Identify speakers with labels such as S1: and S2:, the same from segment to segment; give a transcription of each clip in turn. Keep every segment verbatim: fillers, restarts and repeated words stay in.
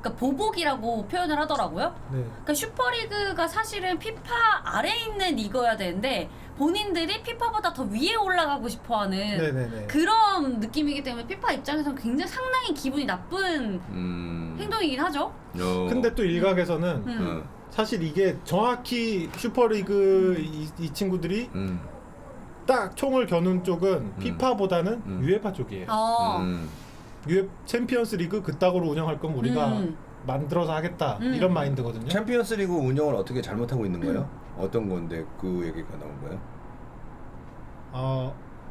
S1: 그러니까 보복이라고 표현을 하더라고요.
S2: 네.
S1: 그러니까 슈퍼리그가 사실은 피파 아래에 있는 리그여야 되는데 본인들이 피파보다 더 위에 올라가고 싶어하는
S2: 네네네.
S1: 그런 느낌이기 때문에 피파 입장에서는 굉장히 상당히 기분이 나쁜
S3: 음.
S1: 행동이긴 하죠.
S3: 어.
S2: 근데 또 일각에서는
S1: 음.
S3: 어.
S2: 사실 이게 정확히 슈퍼리그 이, 이 친구들이
S3: 음.
S2: 딱 총을 겨눈 쪽은 피파보다는
S3: 음.
S2: 유에파 쪽이에요.
S1: 어.
S3: 음.
S2: 유에 챔피언스 리그 그따구로 운영할 거면 우리가
S1: 음.
S2: 만들어서 하겠다
S1: 음.
S2: 이런 마인드거든요.
S3: 챔피언스리그 운영을 어떻게 잘못하고 있는 거예요? 어떤 건데 그 얘기가 나온 거예요?
S2: 어,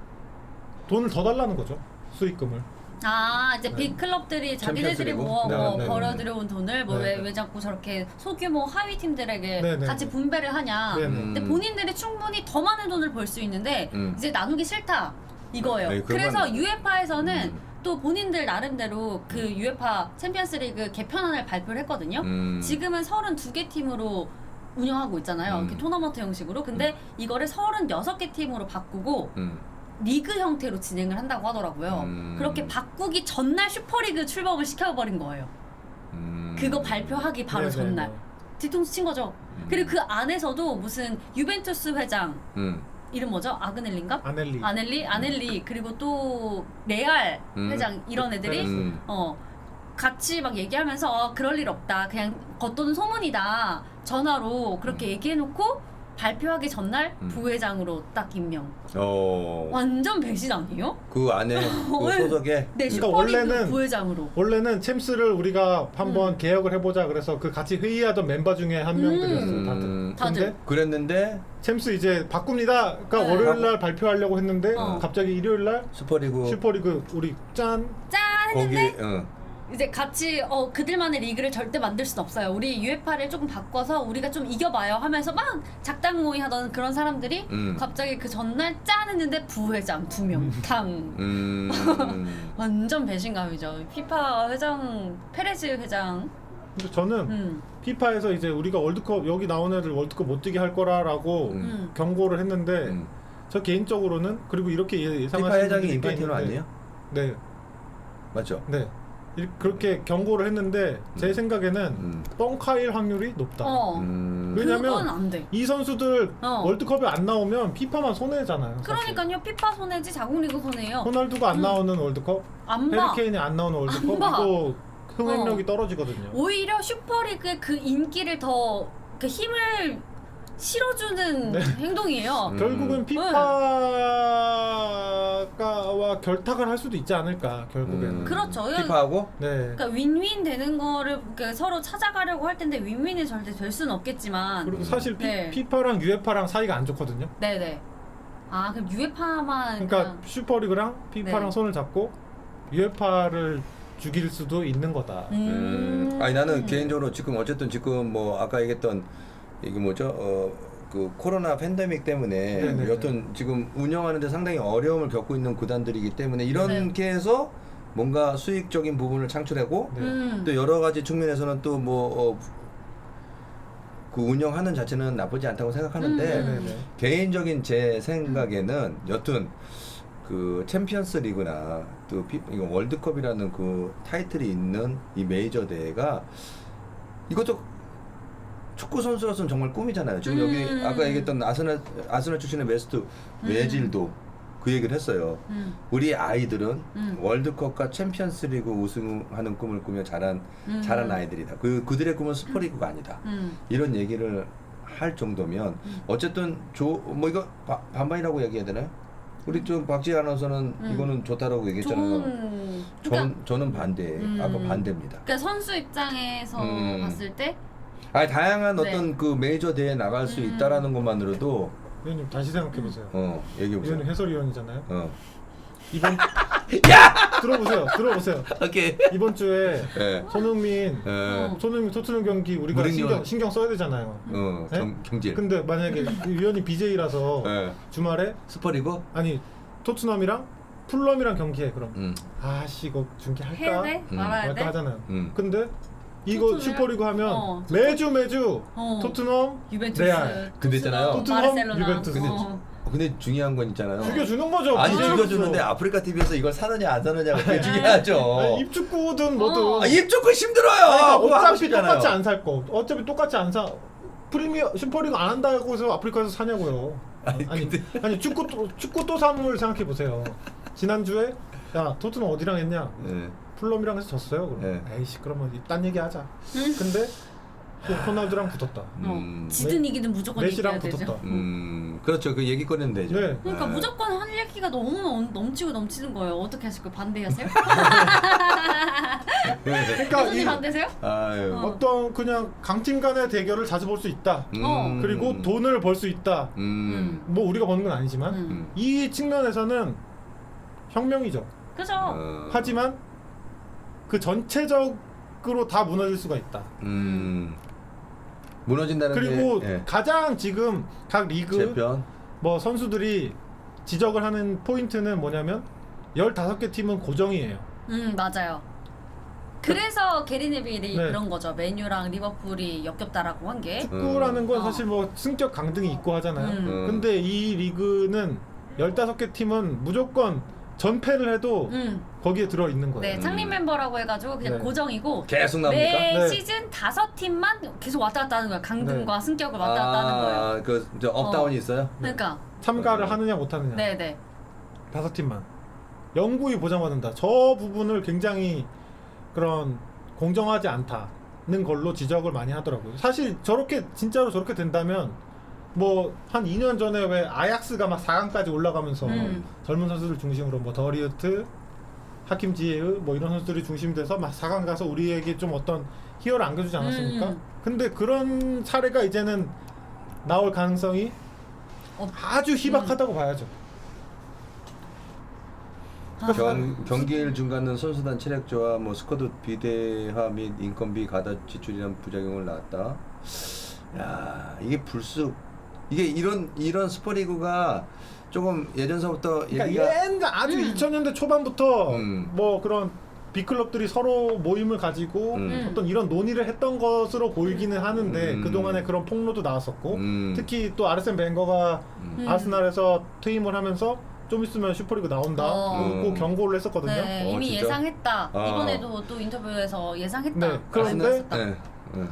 S2: 돈을 더 달라는 거죠. 수익금을.
S1: 아 이제
S2: 네.
S1: 빅 클럽들이 자기네들이
S3: 챔피언스 리그?
S1: 모아
S3: 네,
S1: 뭐
S3: 네, 네.
S1: 벌어들여온 돈을 뭐
S2: 네,
S1: 왜
S2: 네.
S1: 왜 자꾸 저렇게 소규모 하위 팀들에게
S2: 네, 네,
S1: 같이
S2: 네.
S1: 분배를 하냐.
S2: 네, 네.
S1: 근데 본인들이 충분히 더 많은 돈을 벌 수 있는데
S3: 음.
S1: 이제 나누기 싫다 이거예요.
S3: 아니, 그건
S1: 그래서
S3: 아니에요.
S1: 유에파에서는
S3: 음.
S1: 또 본인들 나름대로 그 유에파 챔피언스리그 개편안을 발표를 했거든요.
S3: 음.
S1: 지금은 서른두 개 팀으로 운영하고 있잖아요.
S3: 음.
S1: 이렇게 토너먼트 형식으로. 근데 이거를 서른여섯 개 팀으로 바꾸고
S3: 음.
S1: 리그 형태로 진행을 한다고 하더라고요.
S3: 음.
S1: 그렇게 바꾸기 전날 슈퍼리그 출범을 시켜버린 거예요.
S3: 음.
S1: 그거 발표하기 바로
S2: 네, 네,
S1: 전날.
S2: 네.
S1: 뒤통수 친 거죠.
S3: 음.
S1: 그리고 그 안에서도 무슨 유벤투스 회장
S3: 음.
S1: 이름 뭐죠? 아그넬린가?
S2: 아넬리.
S1: 아넬리, 아넬리 그리고 또 레알
S3: 음.
S1: 회장 이런 애들이
S3: 음.
S1: 어 같이 막 얘기하면서 어, 그럴 일 없다. 그냥 겉도는 소문이다. 전화로 그렇게
S3: 음.
S1: 얘기해놓고 발표하기 전날
S3: 음.
S1: 부회장으로 딱 임명.
S3: 어.
S1: 완전 배신 아니에요?
S3: 그 안에 그
S1: 왜?
S3: 소속에
S1: 네,
S2: 그러니까
S1: 슈퍼리그
S2: 원래는-
S1: 부회장으로.
S2: 원래는 챔스를 우리가 한번
S1: 음.
S2: 개혁을 해보자 그래서 그 같이 회의하던 멤버 중에 한 명들이었어요.
S3: 음.
S2: 다들.
S1: 다들.
S2: 근데
S3: 그랬는데
S2: 챔스 이제 바꿉니다. 그러니까
S1: 네.
S2: 월요일 날 발표하려고 했는데
S1: 어.
S2: 갑자기 일요일 날
S3: 슈퍼리그
S2: 슈퍼리그 우리 짠
S1: 짠
S3: 거기
S1: 했는데
S3: 어.
S1: 이제 같이 어 그들만의 리그를 절대 만들 순 없어요. 우리 유에파를 조금 바꿔서 우리가 좀 이겨봐요 하면서 막 작당 모의 하던 그런 사람들이
S3: 음.
S1: 갑자기 그 전날 짠 했는데 부회장 두 명 탕.
S3: 음.
S1: 완전 배신감이죠. 피파 회장 페레즈 회장.
S2: 근데 저는
S1: 음.
S2: 피파에서 이제 우리가 월드컵 여기 나온 애들 월드컵 못 뛰게 할 거라라고
S3: 음.
S1: 음.
S2: 경고를 했는데
S3: 음.
S2: 저 개인적으로는 그리고 이렇게 예- 예상하시는
S3: 피파 회장이
S2: 분들이 꽤
S3: 인파이티노
S2: 있는데
S3: 아니에요?
S2: 네,
S3: 맞죠?
S2: 네. 이- 그렇게 경고를 했는데 제
S3: 음.
S2: 생각에는
S3: 음.
S2: 뻥카일 확률이 높다.
S1: 어.
S3: 음.
S2: 왜냐면
S1: 그건 안 돼.
S2: 이 선수들
S1: 어.
S2: 월드컵에 안 나오면 피파만 손해잖아요. 사실.
S1: 그러니까요. 피파 손해지 자국리그 손해예요.
S2: 호날두가 안
S1: 음.
S2: 나오는 월드컵,
S1: 안 봐.
S2: 해리케인이 안 나오는 월드컵
S1: 안 봐.
S2: 이거 흥행력이
S1: 어.
S2: 떨어지거든요.
S1: 오히려 슈퍼리그의 그 인기를 더 그 힘을 실어주는
S2: 네.
S1: 행동이에요.
S3: 음.
S2: 결국은 피파와 결탁을 할 수도 있지 않을까 결국에는.
S3: 음.
S1: 그렇죠.
S3: 피파하고
S2: 네.
S1: 그러니까 윈윈 되는 거를 그러니까 서로 찾아가려고 할 텐데 윈윈이 절대 될 수는 없겠지만.
S2: 그리고 사실 피,
S1: 네.
S2: 피파랑 유에파랑 사이가 안 좋거든요.
S1: 네네. 아 그럼 유에파만
S2: 그러니까 슈퍼리그랑 피파랑
S1: 네.
S2: 손을 잡고 유에파를 죽일 수도 있는 거다.
S1: 음.
S3: 음. 아니 나는 개인적으로 지금 어쨌든 지금 뭐 아까 얘기했던 이게 뭐죠? 어 그 코로나 팬데믹 때문에
S2: 네네네.
S3: 여튼 지금 운영하는데 상당히 어려움을 겪고 있는 구단들이기 때문에 이렇게 해서 뭔가 수익적인 부분을 창출하고
S2: 네.
S1: 음.
S3: 또 여러 가지 측면에서는 또 뭐 어, 그 운영하는 자체는 나쁘지 않다고 생각하는데
S1: 음.
S2: 네네네.
S3: 개인적인 제 생각에는 여튼 그 챔피언스 리그나 또 피, 이거 월드컵이라는 그 타이틀이 있는 이 메이저 대회가 이것도 축구 선수로서는 정말 꿈이잖아요. 지금
S1: 음.
S3: 여기 아까 얘기했던 아스날 아스날 출신의 메스트 외질도 그 얘기를 했어요.
S1: 음.
S3: 우리 아이들은
S1: 음.
S3: 월드컵과 챔피언스리그 우승하는 꿈을 꾸며 자란
S1: 음.
S3: 자란 아이들이다. 그 그들의 꿈은 슈퍼리그가 아니다.
S1: 음.
S3: 이런 얘기를 할 정도면
S1: 음.
S3: 어쨌든 조 뭐 이거 바, 반반이라고 얘기해야 되나요? 우리 좀 박지희 아나운서는
S1: 음.
S3: 이거는 좋다라고 얘기했잖아요.
S1: 좋은 그러니까,
S3: 전 저는 반대.
S1: 음.
S3: 아까 반대입니다.
S1: 그러니까 선수 입장에서
S3: 음.
S1: 봤을 때
S3: 아니 다양한
S1: 네.
S3: 어떤 그 메이저 대회에 나갈 수
S1: 음.
S3: 있다라는 것만으로도
S2: 위원님 다시 생각해 보세요.
S3: 어 얘기해 보세요.
S2: 위원님 해설위원이잖아요.
S3: 어.
S2: 이번 들어보세요. 들어보세요.
S3: 오케이.
S2: 이번 주에
S3: 예.
S2: 손흥민
S3: 예.
S2: 손흥민 토트넘 경기 우리가
S3: 무리뉴.
S2: 신경 신경 써야 되잖아요.
S3: 어,
S2: 네?
S3: 경, 경질.
S2: 근데 만약에 위원이 비제이라서
S3: 예.
S2: 주말에
S3: 슈퍼리그?
S2: 아니 토트넘이랑 풀럼이랑 경기해 그럼
S3: 음.
S2: 아씨 이거 중계할까
S1: 해야 돼?
S3: 음.
S1: 말아야 돼?
S2: 말까 하잖아요.
S3: 음.
S2: 근데 이거
S1: 토트넘이랑?
S2: 슈퍼리그 하면
S1: 어,
S2: 매주 매주
S1: 어.
S2: 토트넘
S1: 유벤투스,
S2: 레알.
S3: 근데 있잖아요.
S2: 토트넘,
S1: 바르셀로나.
S2: 유벤투스.
S1: 어.
S3: 근데 중요한 건 있잖아요.
S2: 죽여주는 거죠.
S3: 아니
S2: 비즈니스.
S3: 죽여주는데 아프리카 티비에서 이걸 사느냐 안 사느냐가 그게 중요하죠.
S2: 아니, 입축구든 뭐든.
S1: 어.
S3: 아, 입조건 힘들어요.
S2: 아니, 그러니까
S3: 그거 하고
S2: 어차피
S3: 싶잖아요.
S2: 똑같이 안 살 거. 어차피 똑같이 안 사. 프리미어 슈퍼리그 안 한다고 해서 아프리카에서 사냐고요.
S3: 아니,
S2: 아니
S3: 근데-
S2: 아니 축구 또 축구 또 사물 생각해 보세요. 지난주에 야 토트넘 어디랑 했냐?
S3: 네.
S2: 풀럼이랑 해서 졌어요. 그럼
S3: 네.
S2: 에이씨 그러면 딴 얘기 하자.
S1: 음.
S2: 근데 또 호날두랑 붙었다.
S3: 음.
S1: 어, 지든 이기든 무조건
S2: 메시랑
S1: 이겨야 되죠.
S2: 붙었다.
S3: 음, 그렇죠. 그 얘기 꺼내면 되죠.
S2: 네.
S1: 그러니까
S3: 네.
S1: 무조건 할 얘기가 너무 넘- 넘치고 넘치는 거예요. 어떻게 하실 거예요? 반대하세요?
S2: 그러니까
S1: 교수님
S2: 이
S1: 반대세요?
S3: 아유.
S1: 어.
S2: 어떤 그냥 강팀 간의 대결을 자주 볼 수 있다.
S1: 어.
S2: 그리고 돈을 벌 수 있다.
S3: 음.
S2: 뭐 우리가 버는 건 아니지만
S1: 음.
S3: 음.
S2: 이 측면에서는 혁명이죠.
S1: 그죠?
S3: 어.
S2: 하지만 그 전체적으로 다 무너질 수가 있다.
S3: 음. 무너진다는
S2: 그리고
S3: 게 예.
S2: 가장 지금 각 리그
S3: 재편.
S2: 뭐 선수들이 지적을 하는 포인트는 뭐냐면 열다섯 개 팀은 고정이에요.
S1: 음 맞아요. 그래서 게리 네빌이
S2: 네.
S1: 그런 거죠. 맨유랑 리버풀이 역겹다라고 한 게.
S2: 축구라는 건
S1: 어.
S2: 사실 뭐 승격 강등이 있고 하잖아요.
S1: 음.
S3: 음.
S2: 근데 이 리그는 열다섯 개 팀은 무조건 전패를 해도
S1: 음.
S2: 거기에 들어 있는 거예요.
S1: 네, 창립
S3: 음.
S1: 멤버라고 해가지고 그냥
S2: 네.
S1: 고정이고
S3: 계속 나옵니까?
S1: 매
S2: 네.
S1: 시즌 다섯 팀만 계속 왔다 갔다 하는 거예요. 강등과 승격을 왔다 갔다 하는 거예요.
S3: 아, 그 이제 업다운이 있어요?
S1: 그러니까
S2: 참가를
S3: 어.
S2: 하느냐 못 하느냐.
S1: 네, 네.
S2: 다섯 팀만. 영구히 보장받는다. 저 부분을 굉장히 그런 공정하지 않다는 걸로 지적을 많이 하더라고요. 사실 저렇게 진짜로 저렇게 된다면 뭐 한 이 년 전에 왜 아약스가 막 사 강까지 올라가면서
S1: 음.
S2: 젊은 선수들 중심으로 뭐 더리우트, 하킴 지에흐 뭐 이런 선수들이 중심이 돼서 막 사 강 가서 우리에게 좀 어떤 희열을 안겨주지 않았습니까?
S1: 음.
S2: 근데 그런 사례가 이제는 나올 가능성이
S1: 어.
S2: 아주 희박하다고 봐야죠.
S1: 아,
S3: 경, 경기일 중간은 선수단 체력저하, 뭐 스쿼드 비대화 및 인건비 가다 지출이란 부작용을 낳았다. 야, 이게 불쑥 이게 이런 이런 슈퍼리그가 조금 예전서부터
S2: 그러니까
S3: 얘기가
S2: 옛날 아주
S1: 음.
S2: 이천 년대 초반부터
S3: 음.
S2: 뭐 그런 빅클럽들이 서로 모임을 가지고
S3: 음.
S2: 어떤 이런 논의를 했던 것으로 보이기는 하는데
S3: 음.
S2: 그동안에 그런 폭로도 나왔었고
S3: 음.
S2: 특히 또 아르센 벵거가
S3: 음.
S2: 아스날에서 퇴임을 하면서 좀 있으면 슈퍼리그 나온다
S1: 어.
S2: 고
S3: 음.
S2: 경고를 했었거든요.
S1: 네,
S3: 어,
S1: 이미
S3: 진짜?
S1: 예상했다.
S3: 아.
S1: 이번에도 또 인터뷰에서 예상했다.
S2: 네, 그런데
S1: 말씀하셨다.
S3: 네. 네.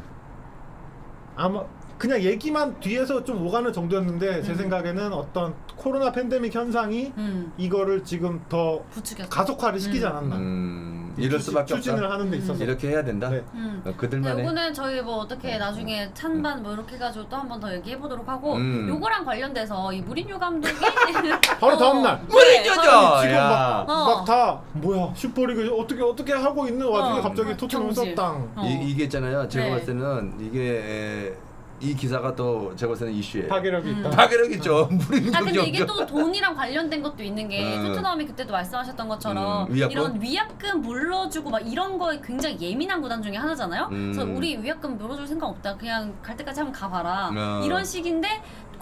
S2: 아마 그냥 얘기만 뒤에서 좀 오가는 정도였는데 제
S1: 음.
S2: 생각에는 어떤 코로나 팬데믹 현상이
S1: 음,
S2: 이거를 지금 더
S1: 부추겼어.
S2: 가속화를 시키지
S1: 음.
S2: 않았나.
S3: 음, 이럴
S2: 추진-
S3: 수밖에
S2: 추진을
S3: 없다.
S2: 하는 데 있어서.
S3: 이렇게 해야 된다.
S2: 네.
S1: 음.
S3: 어,
S1: 네,
S3: 그들만의
S1: 요거는 저희 뭐 어떻게
S3: 음.
S1: 나중에 찬반 뭐 이렇게 해가지고 또 한 번 더 얘기해 보도록 하고
S3: 음.
S1: 요거랑 관련돼서 이 무리뉴 감독이
S2: 바로
S1: 어,
S2: 다음 날.
S3: 무리뉴죠!
S1: 네,
S3: 아,
S2: 지금
S3: 야.
S2: 막
S1: 어.
S2: 막 다 뭐야 슈퍼리그 어떻게 어떻게 하고 있는 와중에
S1: 어.
S2: 갑자기 토트넘
S1: 경질.
S2: 썼당.
S1: 어.
S3: 이, 이게 있잖아요. 제가
S1: 네.
S3: 봤을 때는 이게 에, 이 기사가 또 제가 봤을 때는 이슈예요.
S2: 파괴력이
S1: 음.
S2: 있다.
S3: 파괴력 있죠. 무리뉴
S1: 아 근데
S3: 경기
S1: 이게
S3: 없죠.
S1: 또 돈이랑 관련된 것도 있는 게
S3: 음.
S1: 토트넘이 그때도 말씀하셨던 것처럼
S3: 음, 위약금?
S1: 이런 위약금 물러주고 막 이런 거에 굉장히 예민한 구단 중에 하나잖아요.
S3: 음.
S1: 그래서 우리 위약금 물어줄 생각 없다. 그냥 갈 때까지 한번 가봐라.
S3: 어.
S1: 이런 식인데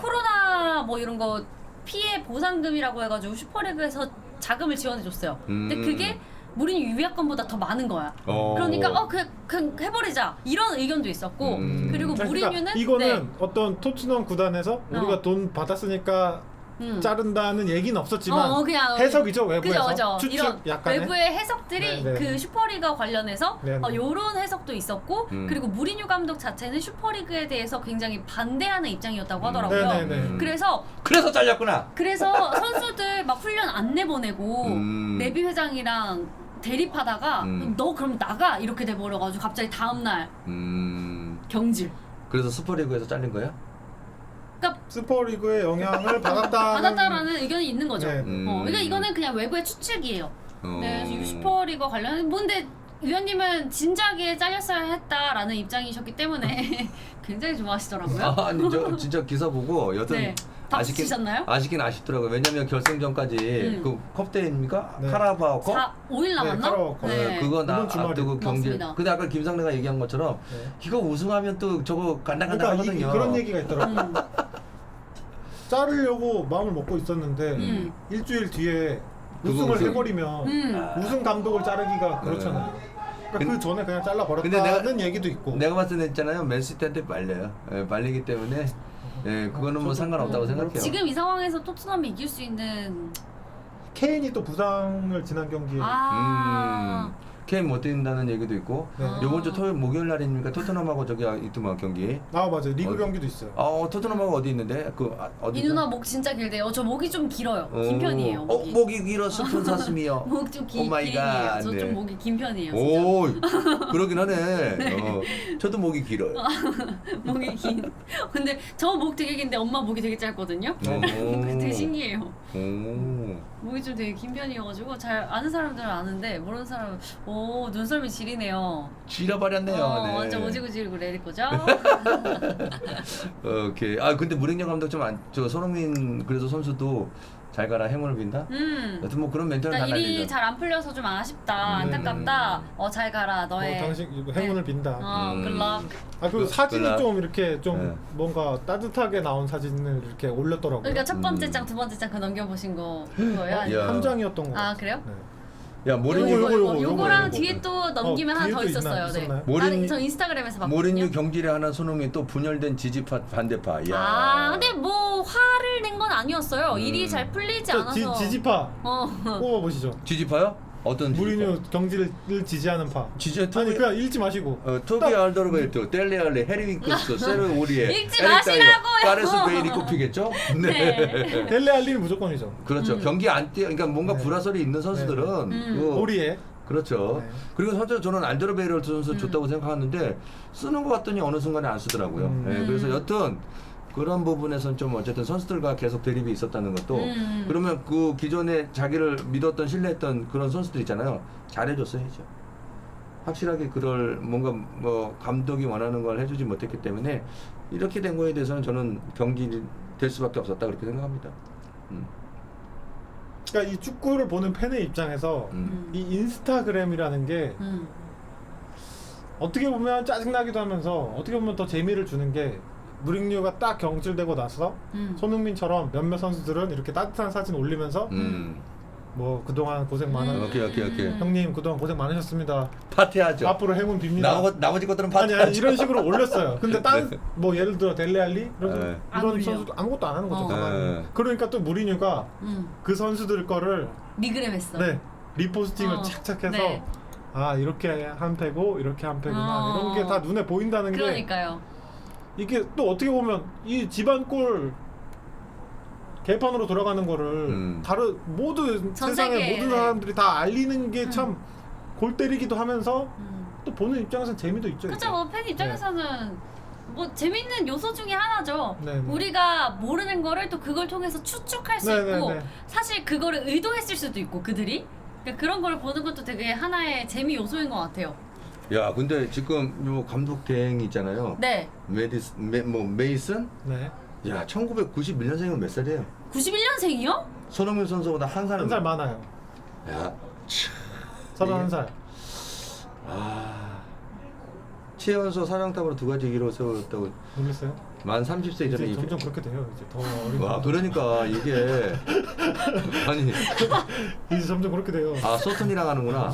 S1: 코로나 뭐 이런 거 피해 보상금이라고 해가지고 슈퍼리그에서 자금을 지원해줬어요. 근데
S3: 음.
S1: 그게 무리뉴 위약금보다 더 많은 거야.
S3: 어.
S1: 그러니까 어 그냥, 그냥 해버리자 이런 의견도 있었고
S3: 음.
S1: 그리고
S2: 그러니까
S1: 무리뉴는
S2: 이거는
S1: 네.
S2: 어떤 토트넘 구단에서 우리가
S1: 어.
S2: 돈 받았으니까
S1: 음.
S2: 자른다는 얘기는 없었지만
S1: 어, 어, 그냥
S2: 해석이죠
S1: 그죠,
S2: 외부에서
S1: 그죠.
S2: 추측
S1: 이런
S2: 약간의.
S1: 외부의 해석들이
S2: 네, 네.
S1: 그 슈퍼리그 관련해서
S2: 네, 네.
S1: 어, 요런 해석도 있었고
S3: 음.
S1: 그리고 무리뉴 감독 자체는 슈퍼리그에 대해서 굉장히 반대하는 입장이었다고 하더라고요.
S2: 네, 네, 네.
S3: 음.
S1: 그래서
S3: 그래서 잘렸구나.
S1: 그래서 선수들 막 훈련 안 내보내고
S3: 음.
S1: 내비 회장이랑 대립하다가
S3: 음.
S1: 너 그럼 나가 이렇게 돼버려가지고 갑자기 다음날
S3: 음.
S1: 경질.
S3: 그래서 슈퍼리그에서 잘린 거야?
S1: 그러니까
S2: 슈퍼리그의 영향을 받았다는
S1: 받았다라는 의견이 있는 거죠.
S2: 네.
S3: 음.
S1: 어, 그러니까 이거는 그냥 외부의 추측이에요.
S3: 어.
S1: 네, 이 슈퍼리그 관련 뭔데 위원님은 진작에 잘렸어야 했다라는 입장이셨기 때문에 굉장히 좋아하시더라고요.
S3: 아, 아니 저 진짜 기사 보고 여튼
S1: 네. 박수
S3: 아쉽긴
S1: 치셨나요?
S3: 아쉽긴 아쉽더라고요. 왜냐면 결승전까지
S1: 음.
S3: 그 컵대입니까?
S2: 네.
S3: 카라바오컵?
S1: 사, 오 일 남았나?
S2: 카라바오 컵.
S3: 네, 그거 나
S2: 이번 주말에.
S3: 앞두고 경기.
S1: 맞습니다.
S3: 근데 아까 김상래가 얘기한 것처럼
S2: 네.
S3: 이거 우승하면 또 저거
S2: 그러니까
S3: 간당간당하거든요.
S2: 이, 그런 얘기가 있더라고.
S1: 음.
S2: 자르려고 마음을 먹고 있었는데
S1: 음.
S2: 일주일 뒤에
S3: 그거
S2: 우승을
S3: 우승.
S2: 해버리면
S1: 음.
S2: 우승 감독을 자르기가 그렇잖아요. 그러니까
S3: 근-
S2: 그 전에 그냥 잘라
S3: 근데
S2: 버렸다는
S3: 내가-
S2: 얘기도 있고.
S3: 내가 봤을 때 있잖아요. 맨시티한테 말려요. 예, 말리기 때문에 예, 그거는 뭐
S2: 저도
S3: 상관없다고
S1: 어,
S3: 생각해요.
S1: 지금 이 상황에서 토트넘이 이길 수 있는
S2: 케인이 또 부상을 지난 경기에
S1: 아
S3: 음, 케인 못 뛴다는 얘기도 있고
S2: 네.
S3: 요번 주 토요일 목요일 날이니까 토트넘하고 저기 있더만 경기.
S2: 아 맞아요. 리그
S3: 어,
S2: 경기도 있어요.
S3: 어 토트넘하고 어디 있는데 그 아, 어디?
S1: 이 누나 목 진짜 길대요. 저 목이 좀 길어요. 긴 편이에요.
S3: 어
S1: 목이.
S3: 목이 길어 스푼 사슴이요.
S1: 목 좀 긴
S3: 오 마이
S1: 편이에요.
S3: 갓,
S1: 저 좀
S3: 네.
S1: 목이 긴 편이에요. 진짜.
S3: 오 그러긴 하네. 어, 저도 목이 길어요.
S1: 목이 긴. 근데 저 목 되게 긴데 엄마 목이 되게 짧거든요.
S3: 오.
S1: 되게 신기해요.
S3: 오.
S1: 목이 좀 되게 긴 편이어가지고 잘 아는 사람들은 아는데 모르는 사람은 오 눈썰미 지리네요.
S3: 지려버렸네요.
S1: 어,
S3: 네.
S1: 완전 오지구지리고 내릴 거죠?
S3: 오케이. 아 근데 무랭령 감독 좀 안 저 손흥민 그래서 선수도 잘 가라 행운을 빈다.
S1: 음.
S3: 여튼 뭐 그런 멘트는 다
S1: 그러니까 일이
S3: 날리죠.
S1: 잘 안 풀려서 좀 아쉽다,
S3: 음.
S1: 안타깝다. 어 잘 가라
S2: 어,
S1: 너의.
S2: 당신 이거 행운을 빈다.
S1: 어
S3: 음.
S1: 글럭.
S2: 아 그리고
S3: 그-
S2: 사진이
S3: 그나-
S2: 좀 이렇게 좀
S3: 네.
S2: 뭔가 따뜻하게 나온 사진을 이렇게 올렸더라고요.
S1: 그러니까 첫 번째
S3: 음.
S1: 장, 두 번째 장 그 넘겨보신 거 그거예요?
S3: 야.
S1: 아니면-
S2: 한 장이었던 거.
S1: 아 그래요?
S2: 네.
S3: 야
S1: 요거,
S3: 모리뉴
S2: 요거,
S1: 요거,
S2: 요거,
S1: 요거랑
S2: 요거.
S1: 뒤에 또 넘기면
S2: 어,
S1: 하나 더
S2: 뒤에도 있나-
S1: 있었어요. 네.
S2: 있었나요?
S3: 모린-
S1: 나는 저 인스타그램에서 봤거든요.
S3: 모리뉴 경질에 하나 손흥민 또 분열된 지지파 반대파. 야.
S1: 아 근데 뭐 화를 낸 건 아니었어요.
S3: 음.
S1: 일이 잘 풀리지
S2: 저
S1: 않아서.
S2: 지, 지지파
S1: 어.
S2: 뽑아 보시죠.
S3: 지지파요? 어떤 지지파?
S2: 무리뉴 경기를 지지하는 파.
S3: 지지
S2: 아니
S3: 토비
S2: 그냥 읽지 마시고.
S3: 어, 토비 알더르베르트, 델레알레, 해리윙크스, 세르 오리에,
S1: 읽지
S3: 에릭 다이어,
S1: 마시라고요.
S3: 가레스 베일이 꼽히겠죠?
S1: 네.
S2: 델레 알리는 무조건이죠.
S3: 그렇죠.
S1: 음.
S3: 경기 안 뛰어, 그러니까 뭔가
S2: 네.
S3: 불화설이 있는 선수들은
S1: 음.
S3: 그-
S2: 오리에.
S3: 그렇죠.
S2: 네.
S3: 그리고 사실 저는 알더르베르트 선수
S1: 음.
S3: 좋다고 생각하는데 쓰는 것 같더니 어느 순간에 안 쓰더라고요.
S2: 음.
S3: 네, 그래서 여튼 그런 부분에선 좀 어쨌든 선수들과 계속 대립이 있었다는 것도
S1: 음.
S3: 그러면 그 기존에 자기를 믿었던 신뢰했던 그런 선수들 있잖아요. 잘해줬어야죠. 확실하게 그럴 뭔가 뭐 감독이 원하는 걸 해주지 못했기 때문에 이렇게 된 거에 대해서는 저는 경기 될 수밖에 없었다 그렇게 생각합니다. 음.
S2: 그러니까 이 축구를 보는 팬의 입장에서
S3: 음.
S2: 이 인스타그램이라는 게
S1: 음.
S2: 어떻게 보면 짜증나기도 하면서 어떻게 보면 더 재미를 주는 게 무링류가 딱 경질되고 나서
S1: 음.
S2: 손흥민처럼 몇몇 선수들은 이렇게 따뜻한 사진 올리면서
S3: 음.
S2: 뭐 그동안 고생 많아
S1: 음.
S3: 오케이 오케이 오케이.
S2: 형님 그동안 고생 많으셨습니다.
S3: 파티하죠.
S2: 앞으로 행운 빕니다.
S3: 나머, 나머지 것들은
S2: 아니
S3: 파티하죠.
S2: 아니 이런 식으로 올렸어요. 근데 딴 뭐 예를 들어 델레알리 이런,
S3: 네.
S1: 안
S2: 이런
S1: 올려.
S2: 선수도 아무것도 안 하는 거죠.
S1: 어.
S2: 가만히.
S3: 네.
S2: 그러니까 또 무리뉴가
S1: 음.
S2: 그 선수들 거를
S1: 리그램 했어.
S2: 네 리포스팅을
S1: 어.
S2: 착착 해서
S1: 네.
S2: 아 이렇게 한 패고 이렇게 한 패구나
S1: 어.
S2: 이런 게 다 눈에 보인다는 게
S1: 그러니까요.
S2: 이게 또 어떻게 보면 이 집안골 개판으로 돌아가는 거를
S3: 음.
S2: 다른 모든
S1: 전
S2: 세상의
S1: 세계에,
S2: 모든
S1: 네.
S2: 사람들이 다 알리는 게
S1: 음.
S2: 참 골 때리기도 하면서
S1: 음.
S2: 또 보는 입장에서는 재미도 있죠. 이게.
S1: 그렇죠. 뭐팬 입장에서는 뭐 재밌는 요소 중에 하나죠.
S2: 네, 네.
S1: 우리가 모르는 거를 또 그걸 통해서 추측할 수
S2: 네, 네,
S1: 있고
S2: 네.
S1: 사실 그거를 의도했을 수도 있고 그들이 그러니까 그런 걸 보는 것도 되게 하나의 재미 요소인 것 같아요.
S3: 야 근데 지금 요 감독 대행이 있잖아요.
S1: 네.
S3: 메디스 메, 뭐 메이슨?
S2: 네.
S3: 야 천구백구십일 년생이면 몇 살이에요?
S1: 구십일 년생이요?
S3: 손흥민 선수보다 한 살.
S2: 한 살 많아요.
S3: 야. 참.
S2: 서른한 살.
S3: 아. 최연소 사령탑으로 두 가지 기록을 세웠다고
S2: 놀랐어요?
S3: 만 삼십 세 이전에
S2: 이제
S3: 이-
S2: 점점 그렇게 돼요. 이제 더 어린.
S3: 와
S2: 거.
S3: 그러니까 이게 아니
S2: 이제 점점 그렇게 돼요.
S3: 아 소튼이랑 하는구나.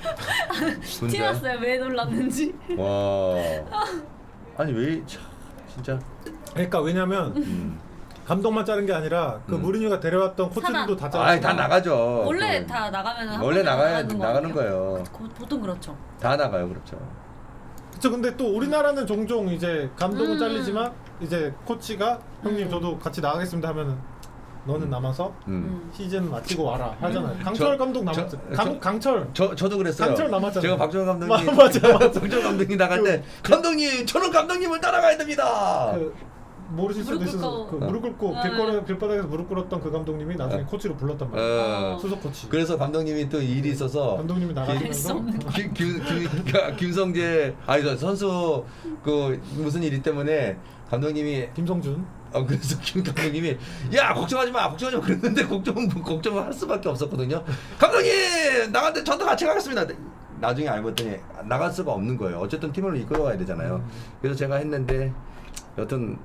S3: 근데
S1: 티났어요. 왜 놀랐는지.
S3: 와 아니 왜 참, 진짜
S2: 그러니까 왜냐면
S3: 음.
S2: 감독만 자른 게 아니라 그
S3: 음.
S2: 무리뉴가 데려왔던 코치들도 다 잘랐어요.
S3: 아이 다 나가죠.
S1: 원래
S3: 그,
S1: 다 나가면 한
S3: 원래
S1: 번에
S3: 나가야
S1: 나가는 거
S3: 나가는
S1: 아니에요?
S3: 거예요.
S1: 고- 보통 그렇죠.
S3: 다 나가요 그렇죠.
S2: 그쵸. 근데 또 우리나라는 종종 이제 감독은
S1: 음.
S2: 잘리지만 이제 코치가 형님
S1: 음.
S2: 저도 같이 나가겠습니다 하면은 너는 남아서
S3: 음.
S1: 음.
S2: 시즌 마치고 와라 하잖아요. 강철
S3: 저-
S2: 감독
S3: 저-
S2: 남았죠.
S3: 저-
S2: 강, 강철.
S3: 저 저도 그랬어요.
S2: 강철 남았잖아요.
S3: 제가 박정현 감독님
S2: 마- 맞아, 맞아.
S3: 박정현 감독님 나갈 때 감독님 저는 감독님을 따라가야 됩니다.
S2: 그 모르실 수도
S1: 무릎
S2: 있어서
S1: 꿇고.
S2: 그 무릎 꿇고
S1: 아.
S2: 길거리 길바닥에서 무릎 꿇었던 그 감독님이 나중에
S3: 어.
S2: 코치로 불렀단 말이에요.
S3: 어.
S2: 수석 코치.
S3: 그래서 감독님이 또 일이 있어서
S2: 감독님이
S1: 알수
S2: 나가면서
S1: 없는 거.
S3: 김, 김, 김, 김성재 아니 저 선수 그 무슨 일이 때문에 감독님이
S2: 김성준.
S3: 어 그래서 김 감독님이 야 걱정하지 마 걱정하지 마 그랬는데 걱정 걱정을 할 수밖에 없었거든요. 감독님 나갔는데 저도 같이 가겠습니다. 나중에 알고 봤더니 나갈 수가 없는 거예요. 어쨌든 팀을 이끌어가야 되잖아요.
S2: 음.
S3: 그래서 제가 했는데 여튼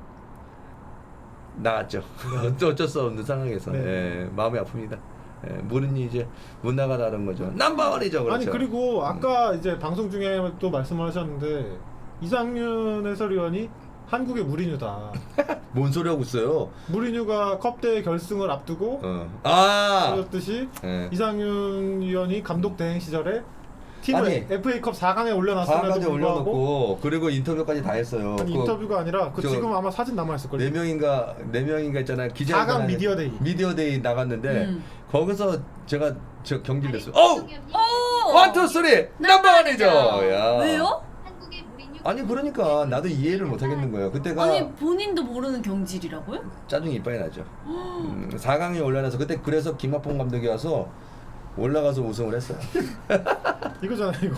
S3: 나갔죠. 어쩔 어쩔 수 없는 상황에서
S2: 네.
S3: 예, 마음이 아픕니다. 예, 모르니 이제 못 나가다는 거죠. 넘버원이죠, 그렇죠.
S2: 아니 그리고 아까 이제 방송 중에 또 말씀을 하셨는데 이상윤 해설위원이 한국의 무리뉴다.
S3: 뭔 소리 하고 있어요?
S2: 무리뉴가 컵대회 결승을 앞두고
S3: 어. 아.
S2: 보였듯이
S3: 예.
S2: 이상윤 위원이 감독 대행 시절에 팀을
S3: 아니,
S2: 에프에이컵 사 강에 올려놨음에도
S3: 사까지
S2: 불구하고
S3: 올려놓고 그리고 인터뷰까지 다 했어요.
S2: 아니,
S3: 그
S2: 인터뷰가 아니라 그
S3: 저
S2: 지금 아마 사진 남아있을
S3: 네
S2: 걸요.
S3: 명인가 네 명인가 있잖아요. 기자
S2: 사 강 미디어 데이.
S3: 미디어 데이 나갔는데
S1: 음.
S3: 거기서 제가 저 경기를 했어요. 어우!
S1: 오!
S3: 원투 쓰리 넘버원이죠. 야.
S1: 왜요?
S4: 한국의 무리뉴
S3: 아니 그러니까 나도 이해를 못 하겠는 거예요. 그때가
S1: 아니 본인도 모르는 경질이라고요?
S3: 짜증이 이빨이 나죠. 음, 사 강에 올려놔서 그때 그래서 김학봉 감독이 와서 올라가서 우승을 했어요.
S2: 이거잖아 이거.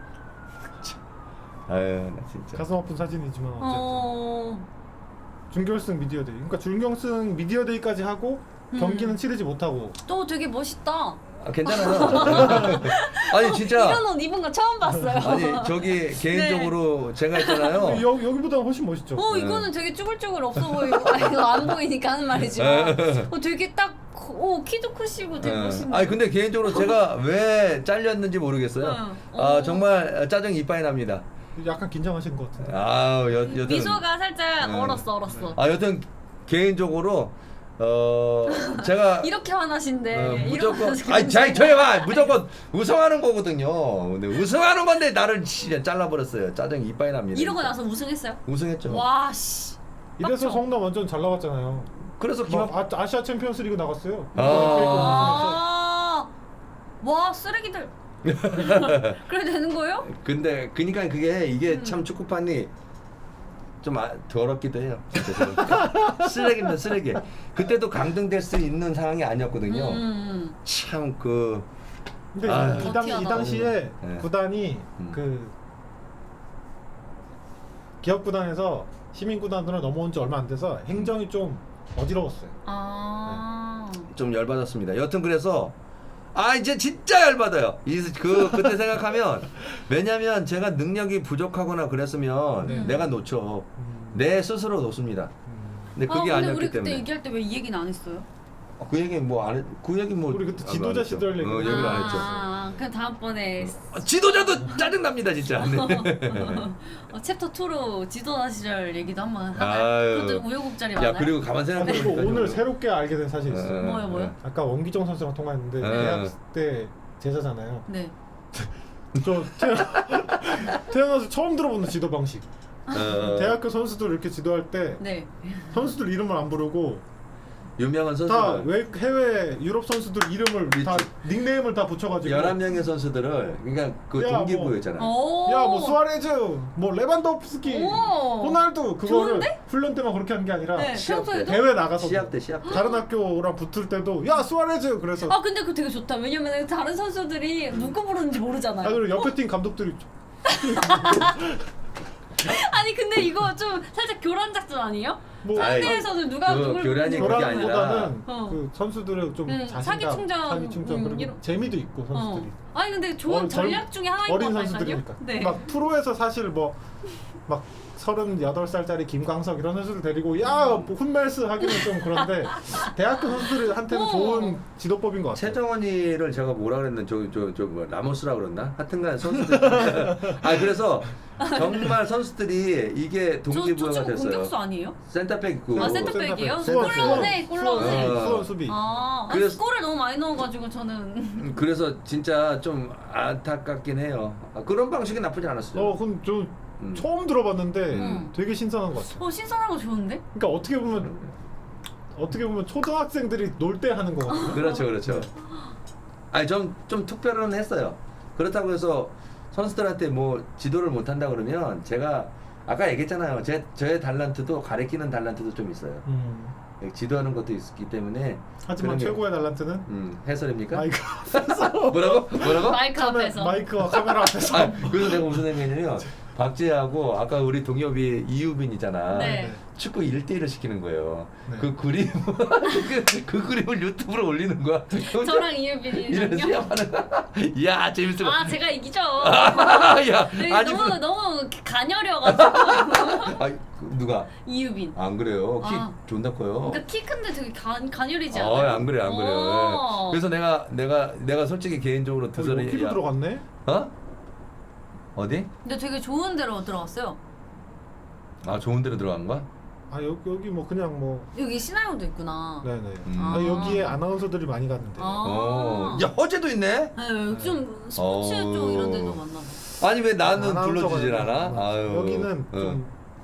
S3: 아유 나 진짜.
S2: 가슴 아픈 사진이지만 어쨌든
S1: 어.
S2: 준결승 미디어 데이. 그러니까 준결승 미디어 데이까지 하고
S1: 음.
S2: 경기는 치르지 못하고
S1: 또 되게 멋있다.
S3: 아, 괜찮아요. 아니 진짜.
S1: 이런 옷 입은 거 처음 봤어요.
S3: 아니 저기 개인적으로 제가 했잖아요.
S2: 여, 여기보다 훨씬 멋있죠.
S1: 어 이거는 되게 쭈글쭈글 없어 보이고 아 이거 안 보이니까 하는 말이지만 어 되게 딱 오 키도 크시고 되게
S3: 예.
S1: 멋있네.
S3: 아니 근데 개인적으로 제가 왜 잘렸는지 모르겠어요.
S1: 응.
S3: 아
S1: 어.
S3: 정말 짜증 이빨이 납니다.
S2: 약간 긴장하신 것 같은데.
S3: 아 여, 여튼
S1: 미소가 살짝
S3: 응.
S1: 얼었어 얼었어.
S3: 아 여튼 개인적으로 어 제가
S1: 이렇게 화나신데
S3: 어,
S1: 이렇게
S3: 무조건
S1: 화나시게
S3: 아니 자
S1: 되는데.
S3: 저희 봐 무조건 우승하는 거거든요. 근데 우승하는 건데 나를 진짜 잘라버렸어요. 짜증 이빨이 납니다.
S1: 이러고 나서 우승했어요?
S3: 우승했죠.
S1: 와 씨.
S2: 이래서
S1: 빡쳐.
S2: 성남 완전 잘 나갔잖아요.
S3: 그래서
S2: 뭐,
S3: 김학
S2: 아, 아시아 챔피언스 리그 나갔어요.
S3: 아.
S1: 아. 와 쓰레기들. 그래 되는 거예요?
S3: 근데 그니까 그게 이게
S1: 음.
S3: 참 축구판이 좀 아, 더럽기도 해요. 진짜 쓰레기면 쓰레기. 그때도 강등될 수 있는 상황이 아니었거든요.
S1: 음.
S3: 참 그
S2: 근데
S3: 아.
S2: 이, 당, 이
S1: 더티하다.
S2: 당시에
S3: 네.
S2: 구단이
S3: 음.
S2: 그 기업 구단에서 시민 구단으로 넘어온 지 얼마 안 돼서 행정이 좀 어지러웠어요.
S1: 아.
S3: 좀 열받았습니다. 여튼 그래서 아 이제 진짜 열받아요. 이 그 그때 생각하면 왜냐면 제가 능력이 부족하거나 그랬으면
S2: 네.
S3: 내가 놓쳐
S2: 음.
S3: 내 스스로 놓습니다.
S2: 음.
S3: 근데
S1: 아,
S3: 그게
S1: 근데
S3: 아니었기
S1: 우리 그때
S3: 때문에
S1: 얘기할 때 왜 이 얘기는 안 했어요?
S3: 어, 그 얘기 뭐안그 얘기 뭐
S2: 우리 그때
S3: 안
S2: 지도자
S3: 했죠.
S2: 시절 얘기.
S3: 어, 얘기를 안 했죠.
S1: 아, 그럼 다음번에
S3: 아, 지도자도 짜증 납니다 진짜. 네.
S1: 어, 챕터 이로 지도자 시절 얘기도 한번 하나요?
S3: 아유.
S1: 그것도 우여곡절이
S3: 야
S1: 많아요.
S3: 그리고 가만
S2: 아,
S3: 생각해
S2: 그리고
S3: 보니까
S2: 오늘
S3: 좀-
S2: 새롭게 알게 된 사실이 있어요.
S3: 어,
S1: 뭐요, 뭐요?
S3: 어.
S2: 아까 원기정 선수랑 통화했는데
S3: 어.
S2: 대학 때 제자잖아요.
S1: 네.
S2: 저 태어나, 태어나서 처음 들어보는 지도 방식.
S3: 어,
S2: 대학교 선수들 이렇게 지도할 때
S1: 네.
S2: 선수들 이름을 안 부르고
S3: 유명한
S2: 다
S3: 선수들
S2: 외, 해외 유럽 선수들 이름을 다
S3: 그치.
S2: 닉네임을 다 붙여가지고
S3: 열한 명의 선수들을 그러니까 그
S2: 야,
S3: 동기부여잖아.
S1: 오.
S2: 야 뭐 수아레즈 뭐 레반도프스키
S1: 오.
S2: 호날두 그거를
S1: 좋은데?
S2: 훈련 때만 그렇게 하는 게 아니라
S1: 네.
S3: 시합 때.
S1: 평소에도?
S2: 대회 나가서
S3: 시합 때 시합 때.
S2: 다른 학교랑 붙을 때도 야 수아레즈 그래서
S1: 아 근데 그거 되게 좋다. 왜냐면 다른 선수들이 누구 부르는지 모르잖아요.
S2: 아 그리고 옆에 팀 감독들이
S1: 아니 근데 이거 좀 살짝 교란 작전 아니에요?
S2: 뭐
S3: 아이,
S1: 상대에서는 누가
S3: 그
S1: 누굴
S3: 교란이
S1: 부르는지
S3: 그게
S1: 모르잖아요.
S2: 교란보다는
S1: 어.
S2: 그 선수들의 좀
S1: 음,
S2: 자신감,
S1: 사기 충전,
S2: 사기 충전
S1: 음,
S2: 그리고
S1: 이런-
S2: 재미도 있고 선수들이
S1: 어. 아니 근데 좋은
S2: 어, 젊-
S1: 전략 중에 하나인 것
S2: 어린
S1: 같다니까요.
S2: 선수들이니까
S1: 네.
S2: 막 프로에서 사실 뭐 막 서른여덟 살짜리 김광석 이런 선수들 데리고 야뭐 훈멜스 하기는 좀 그런데 대학교 선수들한테는
S1: 어.
S2: 좋은 지도법인 것 같아요.
S3: 최정원이를 제가 뭐라 그랬나 저저저 뭐 라모스라 그랬나? 하여튼간 선수들 아 그래서 정말 선수들이 이게
S1: 저, 저
S3: 동기부여가
S1: 친구
S3: 됐어요.
S1: 공격수 아니에요?
S3: 센터백 그
S1: 아,
S2: 그
S1: 센터백이에요?
S2: 수원,
S1: 골
S2: 수원,
S1: 넣었네, 골
S2: 수원,
S1: 넣었네.
S2: 수원,
S3: 어.
S2: 수원 수비.
S1: 아, 아니,
S3: 그래서-
S1: 골을 너무 많이 넣어가지고 저는
S3: 음, 그래서 진짜 좀 안타깝긴 해요. 아, 그런 방식이 나쁘지 않았어요.
S2: 어, 그럼 좀
S3: 음.
S2: 처음 들어봤는데
S1: 음.
S2: 되게 신선한 것 같아요.
S1: 어 신선하고 좋은데?
S2: 그러니까 어떻게 보면 어떻게 보면 초등학생들이 놀 때 하는 것 같아요.
S3: 그렇죠, 그렇죠. 아니 좀 좀 특별은 했어요. 그렇다고 해서 선수들한테 뭐 지도를 못 한다 그러면 제가 아까 얘기했잖아요. 제 저의 달란트도 가리키는 달란트도 좀 있어요.
S2: 음.
S3: 지도하는 것도 있기 때문에.
S2: 하지만
S3: 그런 게-
S2: 최고의 달란트는
S3: 음 해설입니까?
S2: 마이크
S3: 뭐라고? 뭐라고?
S1: 마이크
S2: 카메,
S1: 앞에서
S2: 마이크와 카메라 앞에서
S3: 아, 그래서 내가 무슨 얘기냐면 박재하고 아까 우리 동엽이 이유빈이잖아.
S1: 네.
S3: 축구 일 대일을 시키는 거예요.
S2: 네.
S3: 그 그림 그, 그 그림을 유튜브로 올리는 거야.
S1: 저랑
S3: 이런
S1: 이유빈이랑요.
S3: 시합하는 거야. 이야 재밌을 것
S1: 아 제가 이기죠.
S3: 야,
S1: 네,
S3: 아니
S1: 너무
S3: 그-
S1: 너무 가녀려가지고
S3: 아, 그, 누가?
S1: 이유빈.
S3: 안 그래요. 키
S1: 아.
S3: 존나 커요.
S1: 그러니까 키 큰데 되게 간 가녀리지
S3: 아,
S1: 않아요?
S3: 안 그래, 안 그래.
S1: 어.
S3: 그래서 내가 내가 내가 솔직히 개인적으로 두
S2: 거기
S3: 살이
S2: 키로 들어갔네.
S3: 어? 어디?
S1: 근데 되게 좋은 데로 들어갔어요.
S3: 아 좋은 데로 들어간 거야?
S2: 아 여기 여기 뭐 그냥 뭐
S1: 여기 신화용도 있구나.
S2: 네네.
S3: 음.
S2: 아,
S1: 아.
S2: 여기에 아나운서들이 많이 갔는데.
S1: 아.
S3: 어. 야 허재도 있네.
S1: 네, 좀 스포츠
S3: 어.
S1: 쪽 이런 데도 많나 봐.
S3: 아니 왜 나는
S2: 아나운서가
S3: 불러주질
S2: 있구나.
S3: 않아? 아유.
S2: 여기는
S3: 어.
S2: 좀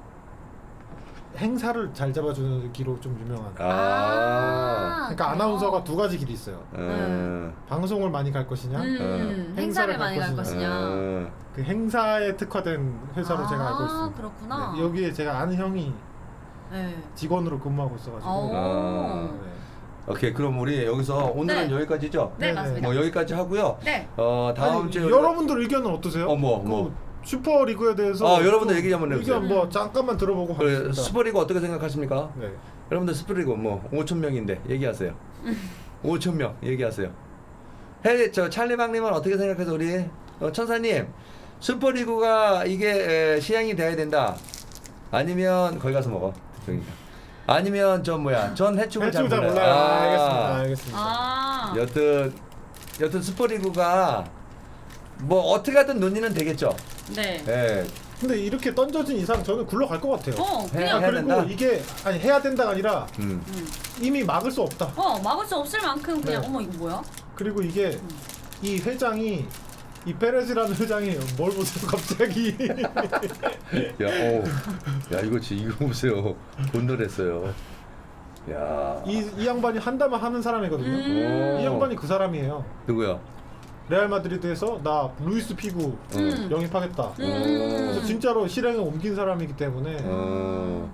S2: 행사를 잘 잡아주는 기로 좀 유명한.
S3: 아.
S2: 그러니까 아나운서가 두 가지 길이 있어요.
S3: 음.
S2: 방송을 많이 갈 것이냐,
S1: 음,
S2: 어.
S1: 행사를
S2: 행사를
S1: 많이 갈
S2: 갈
S1: 것이냐.
S3: 음.
S2: 그 행사에 특화된 회사로
S1: 아,
S2: 제가 알고 있습니다.
S1: 그렇구나.
S2: 네, 여기에 제가 아는 형이
S1: 네.
S2: 직원으로 근무하고 있어가지고.
S1: 오.
S3: 아.
S2: 네.
S3: 오케이 그럼 우리 여기서 오늘은
S1: 네.
S3: 여기까지죠?
S1: 네,
S2: 네,
S1: 맞습니다.
S3: 뭐 여기까지 하고요.
S1: 네.
S3: 어 다음
S2: 아니,
S3: 주에
S2: 여러분들 의견은 어떠세요?
S3: 어, 뭐,
S2: 그
S3: 뭐.
S2: 슈퍼리그에 대해서
S3: 아, 여러분들
S2: 좀
S3: 얘기 한번 해보세요.
S2: 의견 뭐 잠깐만 들어보고
S3: 그
S2: 하겠습니다.
S3: 슈퍼리그 어떻게 생각하십니까?
S2: 네.
S3: 여러분들 슈퍼리그 뭐 오천 명인데 얘기하세요. 오천 명 얘기하세요. 해, 저 찰리방님은 어떻게 생각해서 우리 어, 천사님 슈퍼리그가 이게 에, 시행이 돼야 된다. 아니면 거기 가서 먹어. 저기니까. 아니면 저 뭐야 전 해축을 잘
S2: 해축 잘
S3: 몰라요.
S2: 몰라요.
S3: 아,
S2: 알겠습니다. 알겠습니다.
S1: 아.
S3: 여튼 여튼 슈퍼리그가 뭐 어떻게 하든 논의는 되겠죠.
S1: 네.
S3: 예.
S2: 근데 이렇게 던져진 이상 저는 굴러갈 것 같아요.
S1: 어,
S3: 해-
S1: 그냥
S3: 해야
S2: 그리고
S3: 된다?
S2: 이게 아니 해야 된다가 아니라
S3: 음.
S1: 음.
S2: 이미 막을 수 없다.
S1: 어, 막을 수 없을 만큼 그냥
S2: 네.
S1: 어머 이거 뭐야?
S2: 그리고 이게 이 회장이 이 페레즈라는 회장이 뭘 보세요 갑자기.
S3: 야, 어, 야 이거 지 이거 보세요. 곤돌했어요. 야,
S2: 이, 이 양반이 한다면 하는 사람이거든요.
S1: 음.
S3: 오.
S2: 이 양반이 그 사람이에요.
S3: 누구야?
S2: 레알 마드리드에서 나 루이스 피구
S1: 음.
S2: 영입하겠다.
S1: 음.
S2: 그래서 진짜로 실행에 옮긴 사람이기 때문에
S3: 어.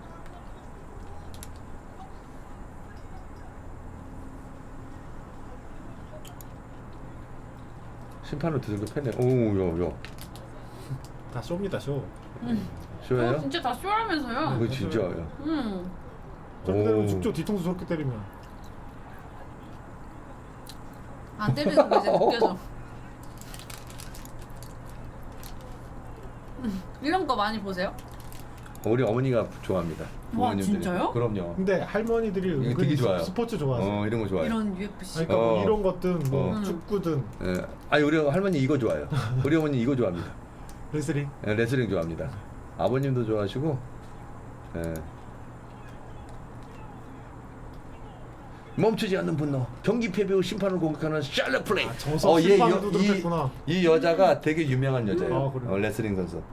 S3: 심판으로 두들겨 패네. 오, 야, 야.
S2: 다 쇼입니다 쇼.
S1: 음.
S3: 쇼예요?
S1: 어, 진짜 다 쇼라면서요.
S3: 이거 진짜야.
S1: 음.
S2: 저렇게 때리면
S3: 오.
S2: 죽죠. 뒤통수 저렇게 때리면.
S1: 안 때리는 거 이제 느껴져. 음, 이런 거 많이 보세요?
S3: 우리 어머니가 좋아합니다.
S1: 와,
S3: 부모님들이.
S1: 진짜요?
S3: 그럼요.
S2: 근데 할머니들이
S3: 이거
S2: 은근히
S3: 되게
S2: 스-
S3: 좋아요.
S2: 스포츠 좋아하세요.
S3: 어, 이런 거 좋아요.
S1: 이런 유에프씨.
S2: 아니, 그러니까 뭐
S3: 어.
S2: 이런 것든 뭐
S1: 어.
S2: 축구든
S3: 예. 아니 우리 할머니 이거 좋아요. 우리 어머니 이거 좋아합니다.
S2: 레슬링.
S3: 예, 레슬링 좋아합니다. 아버님도 좋아하시고. 예. 멈추지 않는 분노. 경기 패배 후 심판을 공격하는 샬럿 플레이.
S2: 아, 정석
S3: 얘
S2: 심판을
S3: 여-
S2: 두드렸구나.
S3: 이, 이 여자가 되게 유명한 여자예요.
S2: 아, 그래요?
S3: 어, 레슬링 선수.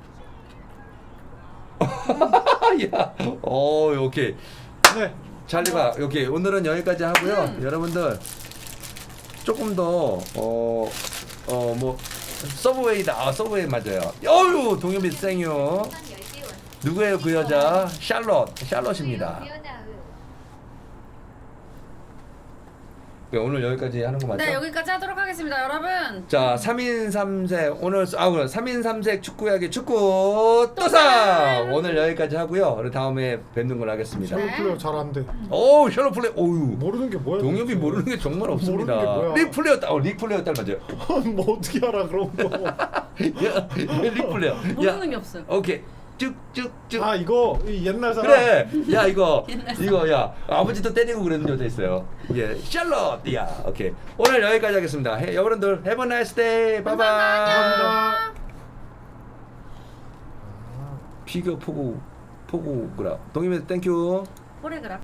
S3: 야, 어, 오케이.
S2: 네.
S3: 찰리가 오케이. 오늘은 여기까지 하고요.
S1: 음.
S3: 여러분들 조금 더 어 어 뭐 서브웨이다. 아, 서브웨이 맞아요. 어유 동엽이 생유. 누구예요 그 여자? 샬롯. 샬롯입니다. 네, 오늘 여기까지 하는 거 맞죠?
S1: 네, 여기까지 하도록 하겠습니다, 여러분.
S3: 자, 삼 인 삼 색 오늘 아 그럼 삼 인 삼 색 축구 이야기 축구 또삼
S1: 또삼!
S3: 오늘 여기까지 하고요. 우리 다음에 뵙는 걸로 하겠습니다.
S2: 샬롯 플레이어 잘하는데
S3: 오, 샬롯 플레이. 오유.
S2: 모르는 게 뭐야?
S3: 동엽이
S2: 도대체.
S3: 모르는 게 정말 없습니다.
S2: 모르는 게 뭐야?
S3: 릭 플레이어 딸, 어, 릭 플레이어 딸 맞아요.
S2: 뭐 어떻게 알아 그런 거?
S3: 야, 릭 플레이어.
S1: 모르는 게 없어요.
S3: 오케이. 쭉쭉쭉.
S2: 아 이거 이 옛날 사람.
S3: 그래. 야 이거
S1: 옛날
S3: 이거 야 아버지도 때리고 그러는 여자 있어요. 예, 샬롯. 야, 오케이. 오늘 여기까지 하겠습니다. 해, 여러분들 have a nice day. 바이바이.
S2: 감사합니다.
S3: 피겨 포구 포구그라. 동임이 땡큐.
S1: 포레그라.